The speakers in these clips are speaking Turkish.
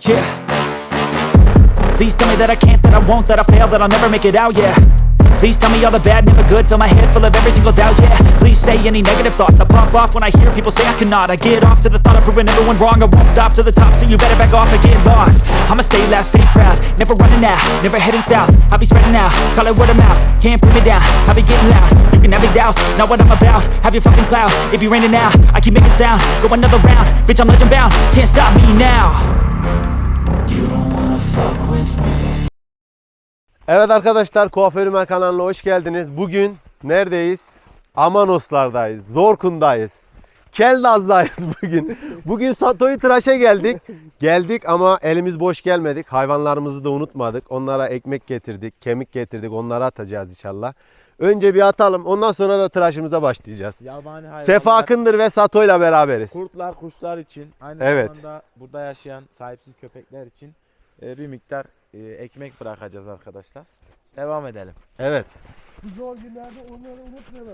yeah. Please tell me that I can't, that I won't, that I fail, that I'll never make it out, yeah. Please tell me all the bad, never good, fill my head full of every single doubt, yeah. Please say any negative thoughts, I pop off when I hear people say I cannot. I get off to the thought of proving everyone wrong, I won't stop to the top, so you better back off and get lost. I'ma stay loud, stay proud, never running out, never heading south. I'll be spreading out, call it word of mouth, can't put me down, I'll be getting loud. You can have your doubts, not what I'm about, have your fucking clout. It be raining now, I keep making sound, go another round, bitch I'm legend bound, can't stop me now. You don't wanna fuck with me. Evet arkadaşlar, Kuaförüm kanalına hoş geldiniz. Bugün neredeyiz? Amanoslardayız, Zorkun'dayız, Keldaz'dayız bugün. Bugün Sato'yu tıraşa geldik ama elimiz boş gelmedik. Hayvanlarımızı da unutmadık. Onlara ekmek getirdik, kemik getirdik. Onları atacağız inşallah. Önce bir atalım, ondan sonra da tıraşımıza başlayacağız. Yabani hayvanlar, Sefa Akındır ve Sato'yla beraberiz. kurtlar, kuşlar için, aynı Evet. zamanda burada yaşayan sahipsiz köpekler için bir miktar ekmek bırakacağız arkadaşlar. Devam edelim. Evet. Zor günlerde onları unutmayalım.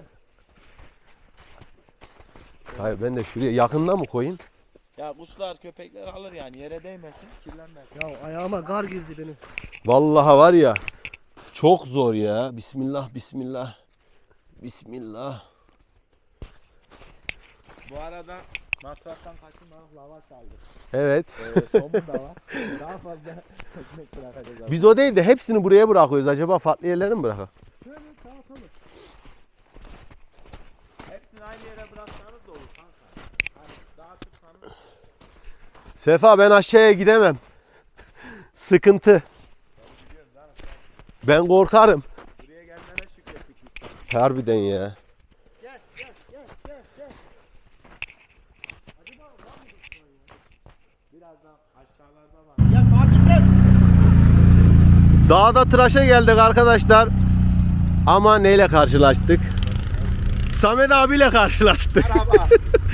Hayır, ben de şuraya yakından mı koyayım? Ya kuşlar, köpekler alır yani, yere değmesin, kirlenmez. Ya ayağıma gar girdi benim. Vallahi var ya, çok zor ya. Bismillah, bismillah. Bismillah. Bu arada masraftan kaçınmadık, lavaş aldık. Evet. Somun da var. Daha fazla ekmek bırakacağız. Biz o değil de hepsini buraya bırakıyoruz. Acaba farklı yerlere mi bırakalım? Şöyle dağıtalım. Hepsini aynı yere bıraksanız da olur kanka. Hani dağıtırsanız. Sefa, ben aşağıya gidemem. Sıkıntı. Ben korkarım. Buraya gelmene şükrettik biz. Harbiden ya. Gel. Acaba var mı bu ya? Birazdan aşağılarda var. Gel Fatih gel. Dağda tıraşa geldik arkadaşlar. Ama neyle karşılaştık? Samet abiyle karşılaştık. Merhaba.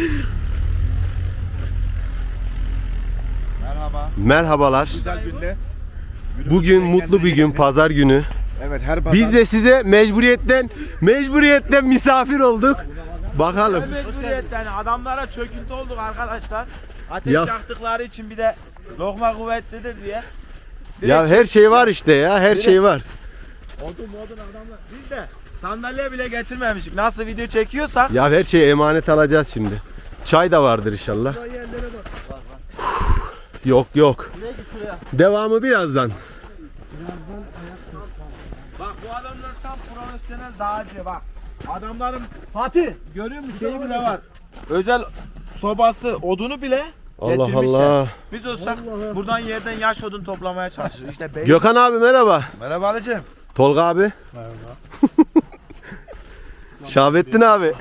Merhaba. Merhabalar. Güzel günde. Bugün mutlu bir gün, pazar günü. Evet, her pazar. Biz de size mecburiyetten misafir olduk. Bakalım. Mecburiyetten adamlara çöküntü olduk arkadaşlar. Ateş Ya. yaktıkları için bir de lokma kuvvetlidir diye. Ya her şey var işte ya, her şey var. Odun adamlar. Biz de sandalye bile getirmemiştik. Nasıl video çekiyorsak. Ya her şeyi emanet alacağız şimdi. Çay da vardır inşallah. Şuraya yerlere bak. Yok. Devamı birazdan. Bak bu adamlar tam profesyonel dağcı bak. Adamların Fatih görüyor musun şeyi bile var. Özel sobası, odunu bile Allah getirmişler. Allah. Biz olsak Allah. buradan yerden yaş odun toplamaya çalışırız. İşte bey. Gökhan abi merhaba. Merhaba Alıcığım. Tolga abi. Merhaba. Şahbettin abi.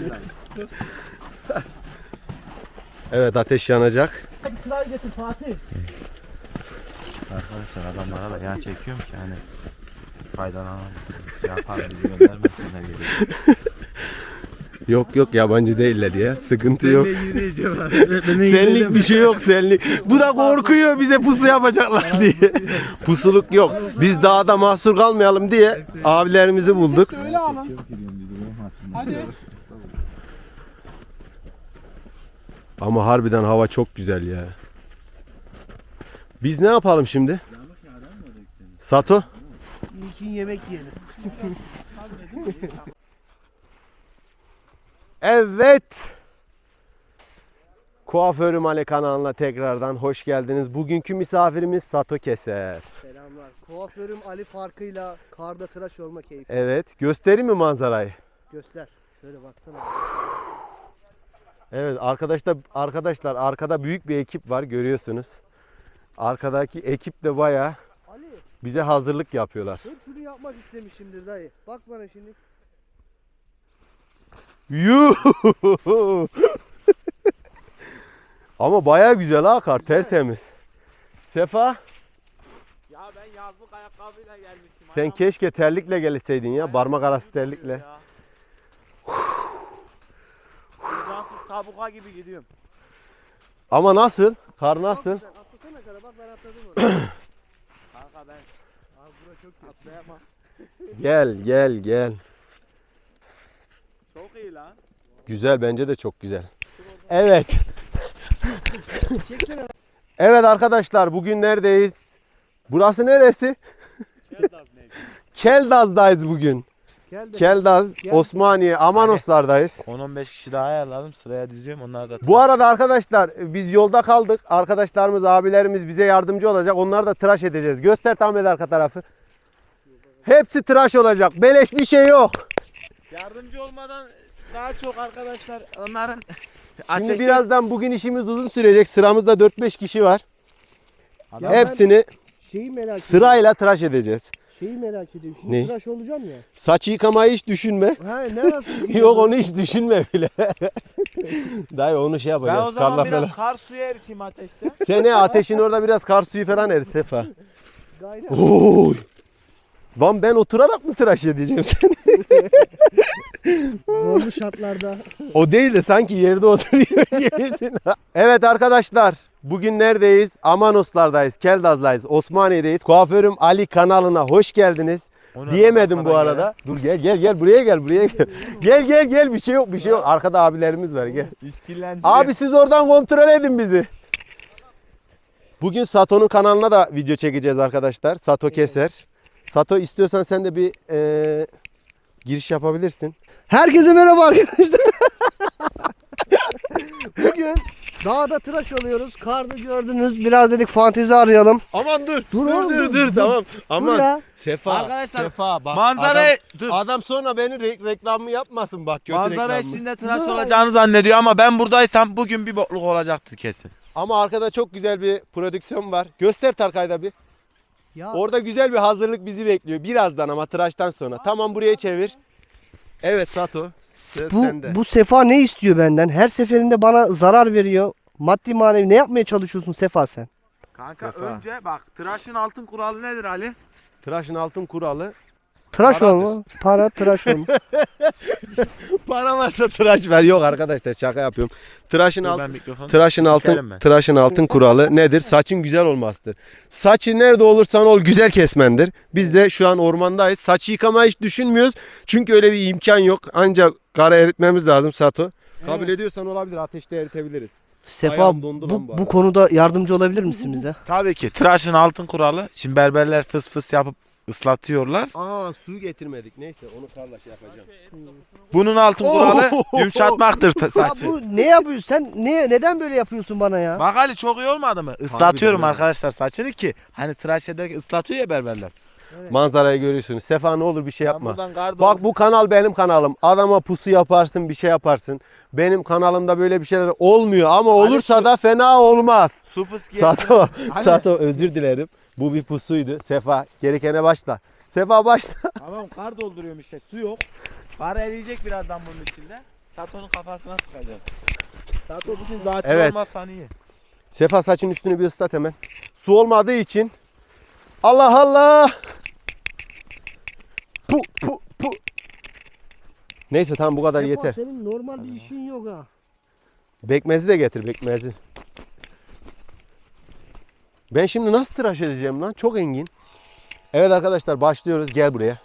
Evet, ateş yanacak. Bir kral getir Fatih. Arkadaşlar adamlara da yağ çekiyorum ki hani faydalanalım. Yapar bizi göndermesinler geliyor. Yok yabancı değiller ya. Sıkıntı yok. Yürüyeceğim. Senlik bir şey yok, senlik. Bu da korkuyor bize pusu yapacaklar diye. Pusuluk yok. Biz dağda mahsur kalmayalım diye abilerimizi bulduk. Öyle ama. Hadi. Ama harbiden hava çok güzel ya. Biz ne yapalım şimdi? Sato? İlkin yemek yiyelim. Evet. Kuaförüm Ali kanalına tekrardan hoş geldiniz. Bugünkü misafirimiz Sato Keser. Selamlar. Kuaförüm Ali farkıyla karda tıraş olma keyfi. Evet. Göstereyim mi manzarayı? Göster. Şöyle baksana. Evet arkadaşlar arkada büyük bir ekip var, görüyorsunuz. Arkadaki ekip de bayağı Ali bize hazırlık yapıyorlar. hep şunu yapmak istemişimdir dayı. Bak bana şimdi. Yuh! Ama bayağı güzel ha, kar tertemiz. Sefa, Ya ben yazlık ayakkabıyla gelmişim. sen keşke terlikle gelseydin ya, parmak arası terlikle. Cansız tabuka gibi gidiyorum. Ama nasıl? Kar nasıl? Çok güzel. Atlasana kara bak ben atladım oraya. Kanka ben az bura çok atlayamam. Gel. Çok iyi lan. Güzel, bence de çok güzel. Evet. Çeksene. Evet arkadaşlar bugün neredeyiz? Burası neresi? Keldaz'dayız bugün. Keldaz, Osmaniye, Amanoslardayız. 10-15 kişi daha ayarladım. Sıraya diziyorum. Onlar da Bu arada arkadaşlar biz yolda kaldık. Arkadaşlarımız, abilerimiz bize yardımcı olacak. Onları da tıraş edeceğiz. Göster Ahmet arka tarafı. Hepsi tıraş olacak. Beleş bir şey yok. yardımcı olmadan daha çok arkadaşlar onların Şimdi birazdan bugün işimiz uzun sürecek. Sıramızda 4-5 kişi var. Ya Hepsini Şeyi merak ediyorum. sırayla tıraş edeceğiz. Şeyi merak ediyorum. Şimdi Ne? tıraş olacağım ya. Saç yıkamayı hiç düşünme. Ha ne nasıl? Yok onu hiç düşünme bile. Dayı onu şey ben o yapacağız. zaman Karla biraz falan. kar suyu eriteyim ateşte. Sene ateşin orada biraz kar suyu falan erit Sefa. Gayret. Oy. Lan ben oturarak mı tıraş edeceğim seni? Zorlu şartlarda. O değil de sanki yerde oturuyor gibisin. Evet arkadaşlar bugün neredeyiz? Amanoslardayız, Keldaz'dayız, Osmaniye'deyiz. Kuaförüm Ali kanalına hoş geldiniz. Onu Diyemedim bu arkadan arada. Dur gel buraya gel. Gel bir şey yok. Arkada abilerimiz var gel. İşkillendiriyor. Abi siz oradan kontrol edin bizi. Bugün Sato'nun kanalına da video çekeceğiz arkadaşlar. Sato Keser. Sato istiyorsan sen de bir giriş yapabilirsin. Herkese merhaba arkadaşlar. Bugün dağda tıraş oluyoruz. Karda gördünüz. Biraz dedik fantezi arayalım. Aman dur. Dur oğlum, dur. Tamam. Dur ya. Sefa. Arkadaşlar, Sefa bak. manzarayı Adam sonra beni reklamı yapmasın bak. Kötü manzara reklamı. eşliğinde tıraş Dur. olacağını zannediyor ama ben buradaysam bugün bir bokluk olacaktır kesin. Ama arkada çok güzel bir prodüksiyon var. Göster Tarkay'da bir. Ya Orada güzel bir hazırlık bizi bekliyor. Birazdan ama tıraştan sonra. Tamam buraya çevir. Evet Sato. Söz sende. bu Sefa ne istiyor benden? Her seferinde bana zarar veriyor. Maddi manevi ne yapmaya çalışıyorsun Sefa sen? Kanka Sefa. önce bak tıraşın altın kuralı nedir Ali? Tıraşın altın kuralı. Tıraş Paradır. olma. Para tıraş olma. Para varsa tıraş ver. Yok arkadaşlar şaka yapıyorum. Tıraşın Dur, altın. ben mikrofonu Tıraşın Sikerim ben. tıraşın altın kuralı nedir? Saçın güzel olmasıdır. Saçı nerede olursan ol güzel kesmendir. Biz de şu an ormandayız. Saçı yıkamayı hiç düşünmüyoruz. Çünkü öyle bir imkan yok. Ancak kara eritmemiz lazım Sato. Kabul ediyorsan olabilir. Ateşte eritebiliriz. Sefa Ayağım dondu lan bu bu arada. konuda yardımcı olabilir misin bize? Tabii ki tıraşın altın kuralı. Şimdi berberler fıs fıs yapıp ıslatıyorlar. Aa su getirmedik. Neyse onu karla şey yapacağım. Bunun altın kuralı yumuşatmaktır Ya saçı. bu ne yapıyorsun? Sen neden böyle yapıyorsun bana ya? Bak Ali çok iyi olmadı mı? Islatıyorum Harbiden arkadaşlar saçını ki hani tıraş ederken ıslatıyor ya berberler. Manzarayı görüyorsunuz. Sefa ne olur bir şey Ben yapma. buradan gardı Bak bu kanal benim kanalım. Adama pusu yaparsın bir şey yaparsın. Benim kanalımda böyle bir şeyler olmuyor ama olursa da fena olmaz. su fıs Sato, Aynen. Sato özür dilerim. Bu bir pusuydu. Sefa gerekene başla. Sefa başla. Tamam kar dolduruyorum işte su yok. Kar eriyecek birazdan bunun içinde. Sato'nun kafasına sıkacağız. Sato bugün zaten Evet. olmazsan iyi. Sefa saçın üstünü bir ıslat hemen. Su olmadığı için. Allah Allah. Pu pu pu. Neyse tamam bu kadar Sefa, yeter. senin normal bir işin yok ha. Bekmezi de getir bekmezi. Ben şimdi nasıl tıraş edeceğim lan? Çok engin. Evet arkadaşlar başlıyoruz. Gel buraya.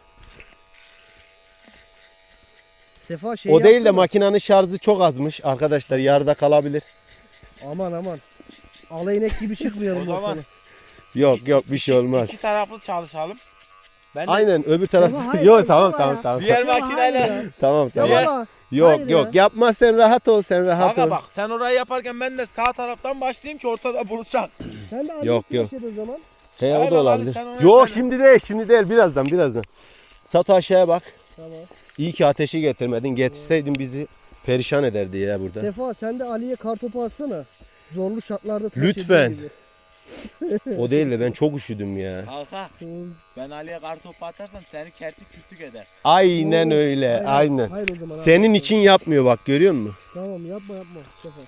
Sefa şey O değil de yapsana. makinenin şarjı çok azmış. Arkadaşlar yarıda kalabilir. Aman. Alayınek gibi çıkmayalım O zaman- ortaya. Yok bir şey olmaz. İki taraflı çalışalım. Ben de Aynen öbür tarafta. Ama hayır, Yok hayır, tamam baba ya. tamam. diğer Ya makineyle. hayır ya. Tamam Ya tamam. baba. Yok hayır yok ya. yapma sen rahat ol sen rahat Kanka ol. bak sen orayı yaparken ben de sağ taraftan başlayayım ki ortada buluşak. Sen de Yok, yok o zaman. He o Aynen da Ali, olabilir. sen onu Yok yapma. şimdi değil birazdan. Sato aşağıya bak. Tamam. İyi ki ateşi getirmedin. Getirseydin bizi perişan ederdi ya burada. Sefa sen de Ali'ye kartopu atsana. Zorlu şartlarda tıraş Lütfen. ediyor gibi. O değil de ben çok üşüdüm ya. Kanka ben Ali'ye kartopu atarsam seni kertik kütük eder. Aynen Oo, öyle aynen. Hayır o zaman. Senin için yapmıyor bak görüyor musun? Tamam yapma Sefa.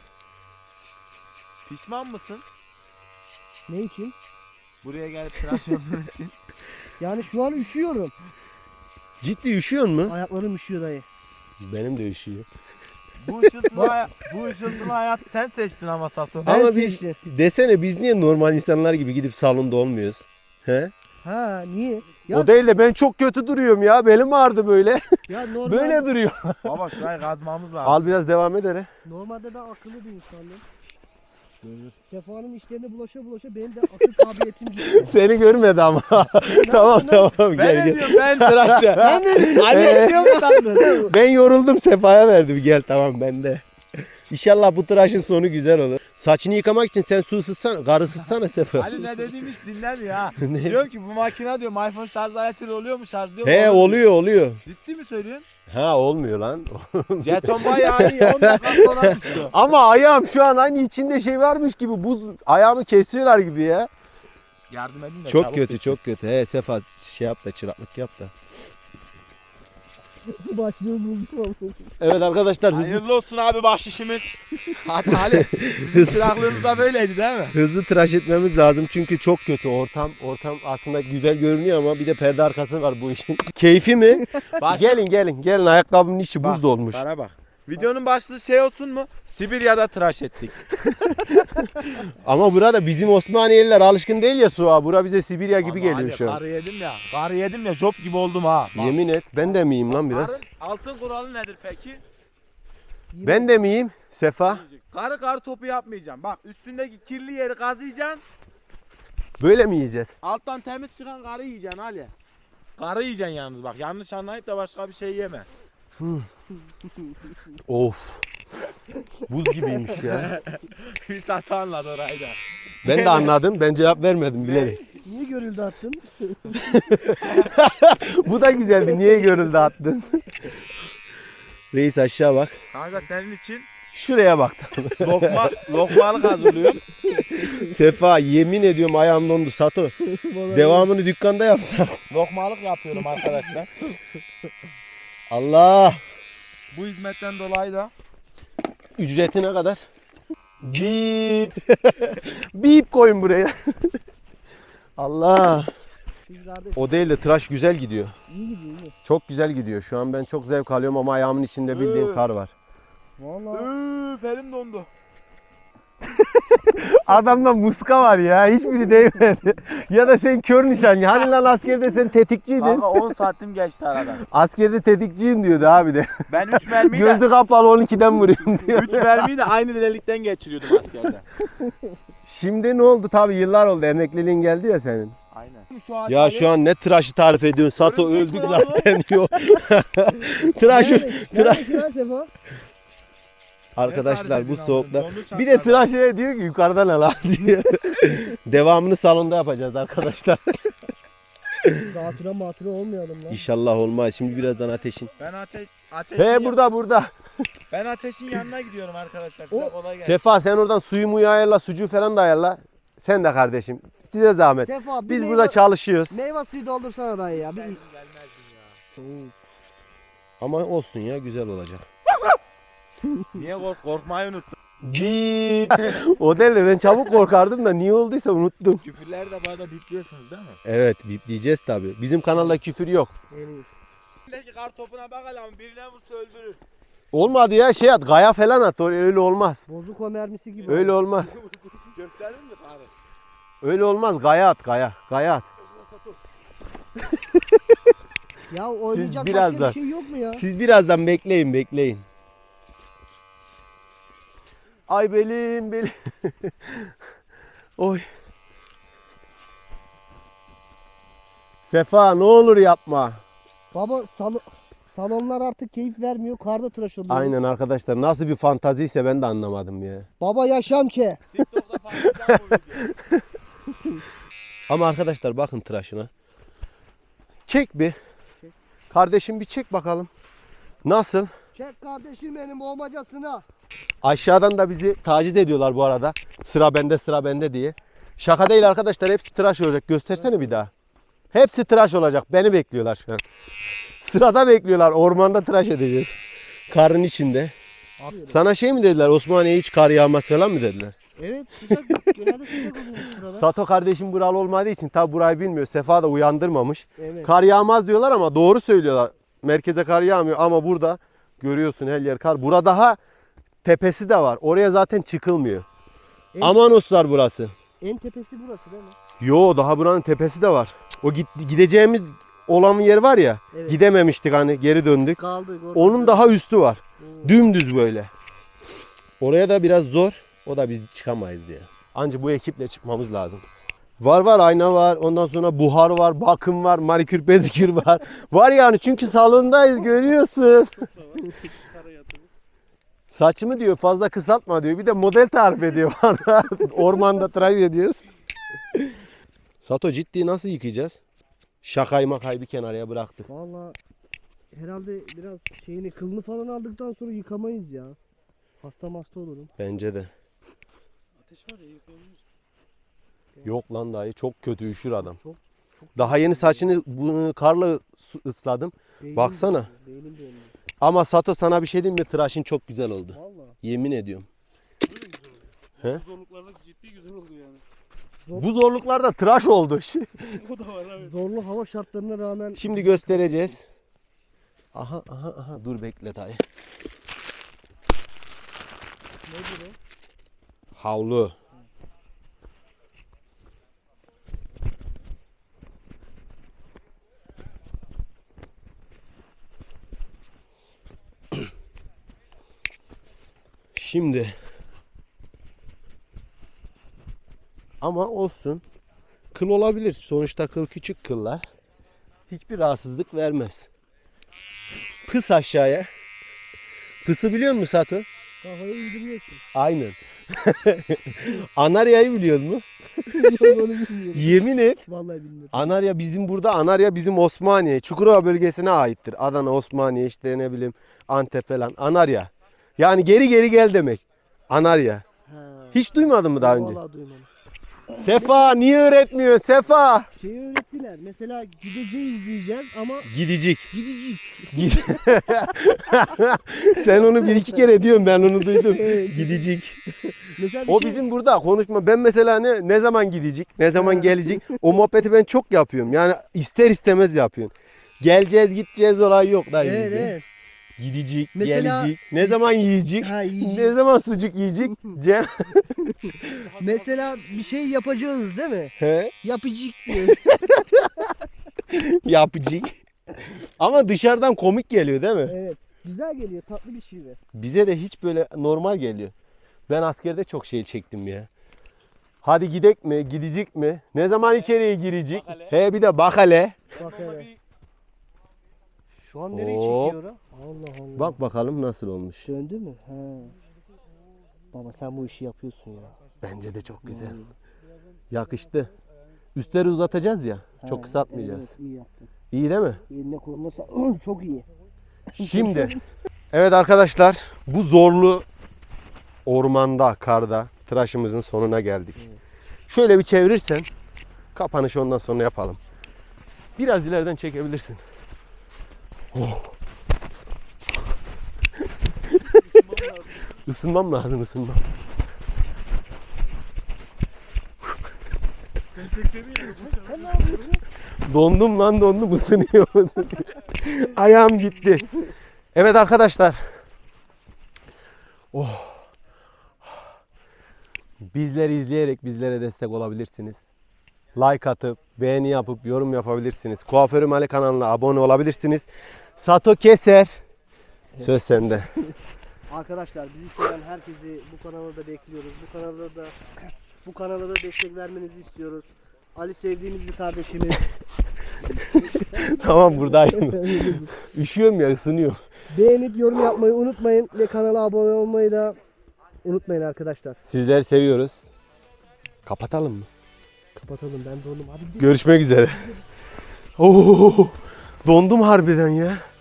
Pişman mısın? Ne için? Buraya gelip tıraş olduğun için. Yani şu an üşüyorum. Ciddi üşüyor mu? Ayaklarım üşüyor dayı. Benim de üşüyor. Bu ışıltılı hayat sen seçtin ama Sato. Ben Ama biz seçtim. desene biz niye normal insanlar gibi gidip salonda olmuyoruz? He? Ha niye? Ya, O değil de ben çok kötü duruyorum ya. Belim ağrıdı böyle. ya normal, Böyle duruyor. Baba şurayı kazmamız lazım. Al biraz devam edelim. normalde ben akıllı bir insanım. Sefa'nın işlerine bulaşa bulaşa benim de akıl kabiliyetim gitti. Seni görmedi ama. Tamam Ben gel ne gel. diyorum ben tıraşçı. Sen ne? Ali ne diyor mu sandın? Ben yoruldum Sefa'ya verdim. Gel tamam ben de. İnşallah bu tıraşın sonu güzel olur. Saçını yıkamak için sen su ısıtsana, kar ısıtsana Sefa. Ali ne dediğimi hiç dinlemiyor ha. Diyor ki bu makine diyor iPhone şarj aletiyle oluyor mu şarj diyor. He oluyor. Ciddi mi söylüyorsun? Ha olmuyor lan. Jeton bayağı iyi 10 dakika sonra düştü. Ama ayağım şu an aynı içinde şey varmış gibi buz ayağımı kesiyorlar gibi ya. Yardım edin de. Çok çabuk kötü bitsin. çok kötü. He Sefa şey yap da çıraklık yap da. Başlığı buldum. Evet arkadaşlar Hayırlı olsun abi bahşişimiz. Hadi Ali. Sizin çıraklığınız da böyleydi değil mi? hızlı tıraş etmemiz lazım çünkü çok kötü ortam. Ortam aslında güzel görünüyor ama bir de perde arkası var bu işin. Keyfi mi? Gelin ayakkabımın içi buz dolmuş. Bana bak. Videonun başlığı şey olsun mu? Sibirya'da tıraş ettik. Ama burada bizim Osmaniyeliler alışkın değil ya suğa. Bura bize Sibirya gibi Ama geliyor Ali, şu an. Karı yedim ya job gibi oldum ha. Bak. Yemin et ben de miyim lan biraz? Karın altın kuralı nedir peki? Ben de miyim Sefa? Karı topu yapmayacağım. Bak üstündeki kirli yeri kazıyacaksın. Böyle mi yiyeceğiz? Alttan temiz çıkan karı yiyeceksin Ali. Karı yiyeceksin yalnız bak. Yanlış anlayıp da başka bir şey yeme. Of. Buz gibiymiş ya. Bir satı anladı orayı da. Ben de anladım. Ben cevap vermedim bilerek. Niye görüldü attın? Bu da güzeldi. Niye görüldü attın? Reis aşağı bak. Kanka senin için Şuraya baktım. lokmalık hazırlıyorum. Sefa yemin ediyorum ayağım dondu. Sato. Devamını dükkanda yapsak. Lokmalık yapıyorum arkadaşlar. Allah. Bu hizmetten dolayı da Ücreti ne kadar? Bip. Bip koyun buraya. Allah. Biz kardeş O değil de tıraş güzel gidiyor. iyi gidiyor iyi. Çok güzel gidiyor. Şu an ben çok zevk alıyorum ama ayağımın içinde bildiğin kar var. Valla. elim dondu. Adamda muska var ya. Hiçbiri değmedi. Ya da sen kör nişan. Hani lan askerde sen tetikçiydin. Kanka 10 saatim geçti aradan. Askerde tetikçiyim diyordu abi de. Ben 3 mermiyi Gözü de kapalı 12'den vuruyorum diyor. 3 mermiyi de aynı delikten geçiriyordum askerde. Şimdi ne oldu? Tabii yıllar oldu. Emekliliğin geldi ya senin. Aynen. Şu an Ya şu an ne tıraşı tarif ediyorsun? Sato Örümcek öldük kralı. zaten diyor. tıraşı. Nerede lan Sefa? Arkadaşlar bu edin soğukta. abi, dondu Bir de şartlarda. tıraşı diyor ki yukarıdan al diyor. Devamını salonda yapacağız arkadaşlar. Matıra olmayalım lan. İnşallah olmaz. Şimdi birazdan ateşin. Ben ateşin He burada. Ben ateşin yanına gidiyorum arkadaşlar. Size kolay gelsin. Sefa sen oradan suyu muyu ayarla, sucuğu falan da ayarla. Sen de kardeşim. Size zahmet. Sefa bir Biz meyve- burada çalışıyoruz. Meyve suyu doldursana dayı ya. Bir... Ama olsun ya güzel olacak. Niye korkmayı unuttum. O değil de ben çabuk korkardım da niye olduysa unuttum. Küfürleri de bana bipliyorsunuz değil mi? Evet bipleyeceğiz tabi. Bizim kanalda küfür yok. En iyisi. Elindeki kar topuna bak lan birine vursa öldürür. Olmadı ya şey at gaya falan at öyle olmaz. Bozuk o mermisi gibi. Öyle olmaz. Gösterdin mi karı? Öyle olmaz gaya at gaya. Gaya at. Ya oynayacak başka birazdan- bir şey yok mu ya? Siz birazdan bekleyin. Ay belim. Oy. Sefa ne olur yapma. Baba salonlar artık keyif vermiyor. Karda tıraş oluyor. Aynen arkadaşlar nasıl bir fantaziyse ben de anlamadım ya. Baba yaşam ki. TikTok'ta paylaşacağım bu videoyu. Ama arkadaşlar bakın tıraşına. Çek bir. Kardeşim bir çek bakalım. Nasıl? Çek kardeşim benim olmacasına. Aşağıdan da bizi taciz ediyorlar bu arada. Sıra bende diye. Şaka değil arkadaşlar hepsi tıraş olacak. Göstersene bir daha. Hepsi tıraş olacak. Beni bekliyorlar şu an. Sırada bekliyorlar. Ormanda tıraş edeceğiz. Karın içinde. Sana şey mi dediler? Osmaniye hiç kar yağmaz falan mı dediler? Evet sıcak. Genelde sıcak oluyor burada. Sato kardeşim buralı olmadığı için tabi burayı bilmiyor. Sefa da uyandırmamış. Evet. Kar yağmaz diyorlar ama doğru söylüyorlar. Merkeze kar yağmıyor ama burada görüyorsun her yer kar. Burada daha tepesi de var. Oraya zaten çıkılmıyor. Evet. Amanoslar burası. En tepesi burası değil mi? Yo daha buranın tepesi de var. O gideceğimiz olan yer var ya. Evet. Gidememiştik hani geri döndük. Kaldı. Onun daha üstü var. Dümdüz böyle. Oraya da biraz zor. O da biz çıkamayız ya. Anca bu ekiple çıkmamız lazım. Var ayna var. Ondan sonra buhar var, bakım var, manikür pedikür var. Var yani çünkü salondayız görüyorsun. Saçımı diyor fazla kısaltma diyor. Bir de model tarif ediyor bana. Ormanda tıraş ediyoruz. Sato ciddi nasıl yıkayacağız? Şakayı makayı bir kenarıya bıraktık. Valla herhalde biraz şeyini kılını falan aldıktan sonra yıkamayız ya. Hasta olurum. Bence de. Yok lan dayı çok kötü üşür adam. Daha yeni saçını bunu karla ısladım. Baksana. Beynim dönüyor. Ama Sato sana bir şey diyeyim mi? Tıraşın çok güzel oldu. Valla. Yemin ediyorum. He? Zorluklarda ciddi güzel oldu yani. Bu zorluklarda tıraş oldu. O da var abi. Zorlu hava şartlarına rağmen Şimdi göstereceğiz. Aha. Dur bekle dayı. nedir o? Havlu. Şimdi ama olsun. Kıl olabilir. Sonuçta kıl küçük kıllar. Hiçbir rahatsızlık vermez. Pıs aşağıya. Pısı biliyor musun Sato? Kafayı indiriyorsun. Aynen. Anarya'yı biliyor musun? Yok onu bilmiyorum. Yemin et. Vallahi bilmiyorum. Anarya bizim burada. Anarya bizim Osmaniye. Çukurova bölgesine aittir. Adana, Osmaniye işte ne bileyim Antep falan. Anarya. Yani geri gel demek. Anarya. Ha. Hiç duymadın mı daha önce? Vallahi duymadım. Sefa niye öğretmiyorsun Sefa? Şeyi öğrettiler. Mesela gideceğiz diyeceğiz ama Gidecek. gidecek. Sen onu bir iki kere diyorsun ben onu duydum. Gidecek. Mesela bir O şey- bizim burada konuşma. Ben mesela ne zaman gidecek, ne zaman gelecek o muhabbeti ben çok yapıyorum. Yani ister istemez yapıyorum. Geleceğiz gideceğiz olay yok da Evet bizde. evet. Gidecek, Mesela- gelecek, ne zaman yiyecek, Ha, yiyecek. ne zaman sucuk yiyecek, Cem. Mesela bir şey yapacağız değil mi? He? Yapacak diyor. Yapacak. Ama dışarıdan komik geliyor değil mi? Evet. Güzel geliyor. Tatlı bir şive. Bize de hiç böyle normal geliyor. Ben askerde çok şey çektim ya. Hadi gidek mi, gidecek mi? Ne zaman içeriye girecek? Bak hele. He bir de bak hele. Bak Ama hele. bir Şu an nereye Hop. çekiyor o? Allah Allah. Bak bakalım nasıl olmuş. Döndü mü? Ha. Baba sen bu işi yapıyorsun ya. Bence de çok güzel. Yakıştı. Üstleri uzatacağız ya. Çok kısaltmayacağız. Evet, iyi yaptın. İyi değil mi? Eline koluna çok iyi. Şimdi evet arkadaşlar bu zorlu ormanda, karda tıraşımızın sonuna geldik. Şöyle bir çevirirsen kapanışı ondan sonra yapalım. Biraz ileriden çekebilirsin. Oh. Isınmam lazım ısınmam. sen çekseydin ya. Sen ne yapıyorsun? Dondum lan dondum ısınıyor. Ayağım gitti. Evet arkadaşlar. Oh. Bizleri izleyerek bizlere destek olabilirsiniz. Like atıp, beğeni yapıp, yorum yapabilirsiniz. Kuaförüm Ali kanalına abone olabilirsiniz. Sato Keser. Söz sende. Arkadaşlar bizi seven herkesi bu kanala da bekliyoruz. Bu kanala da destek vermenizi istiyoruz. Ali sevdiğimiz bir kardeşimiz. Tamam buradayım. Üşüyorum ya ısınıyorum. Beğenip yorum yapmayı unutmayın ve kanala abone olmayı da unutmayın arkadaşlar. Sizleri seviyoruz. Kapatalım mı? Kapatalım ben dondum. Hadi gidelim. Görüşmek üzere. Oo, dondum harbiden ya.